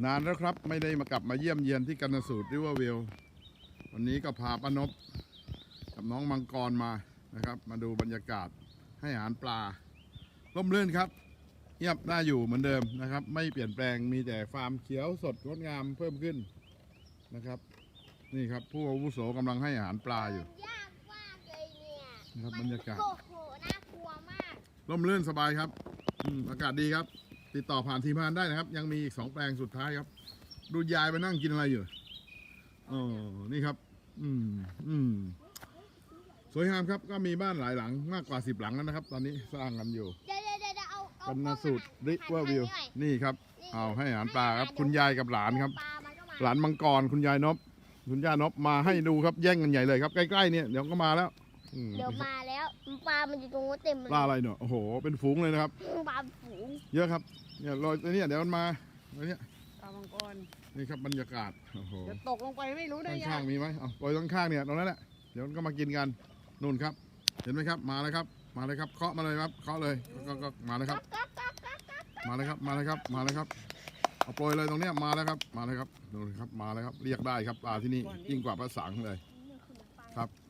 นานแล้วครับไม่ได้มากลับมาเยี่ยมเยียนที่กันสูตรริเวอร์วิววันนี้ก็พาป้านพกับน้องมังกรมานะครับมาดูบรรยากาศให้อาหารปลาร่มรื่นครับเงียบน่าอยู่เหมือนเดิมนะครับไม่เปลี่ยนแปลงมีแต่ฟาร์มเขียวสดงดงามเพิ่มขึ้นนะครับนี่ครับผู้อาวุโสกำลังให้อาหารปลาอยู่ยากมากเลยเนี่ยนะครับบรรยากาศโอ้โหน่ากลัวมากร่มรื่นสบายครับอากาศดีครับติดต่อผ่านทีมงานได้นะครับยังมีอีก2 แปลงสุดท้ายครับดูยายไปนั่งกินอะไรอยู่อ๋อนี่ครับสวยงามครับก็มีบ้านหลายหลังมากกว่า10 หลังแล้วนะครับตอนนี้สร้างกันอยู่เอากันสูตรริเวอร์วิวนี่ครับเอาให้อาหารปลาครับคุณยายกับหลานครับหลานมังกรคุณยายนพคุณย่านพมาให้ดูครับแย่งกันใหญ่เลยครับใกล้ๆเนี่ยเดี๋ยวก็มาแล้วเดี๋ยวมาแล้วปลามันอยู่ตรงนู้นเต็มเลยปลาอะไรเนาะโอ้โหเป็นฝูงเลยนะครับปลาฝูงเยอะครับเนี่ยลอยเนี่ยเดี๋ยวมันมาเนี่ยปลามังกรนี่ครับบรรยากาศโอ้โหจะตกลงไปไม่รู้ได้ยังข้างมีไหมเอาปล่อยข้างเนี่ยตรงนั้นแหละเดี๋ยวมันก็มากินกันนู่นครับเห็นไหมครับมาเลยครับมาเลยครับเคาะมาเลยครับเคาะเลยก็มาเลยครับมาเลยครับมาเลยครับมาเลยครับเอาปล่อยเลยตรงเนี้ยมาแล้วครับมาเลยครับนู่นครับมาแล้วครับเรียกได้ครับปลาที่นี่ยิ่งกว่าปลาสังเลยครับ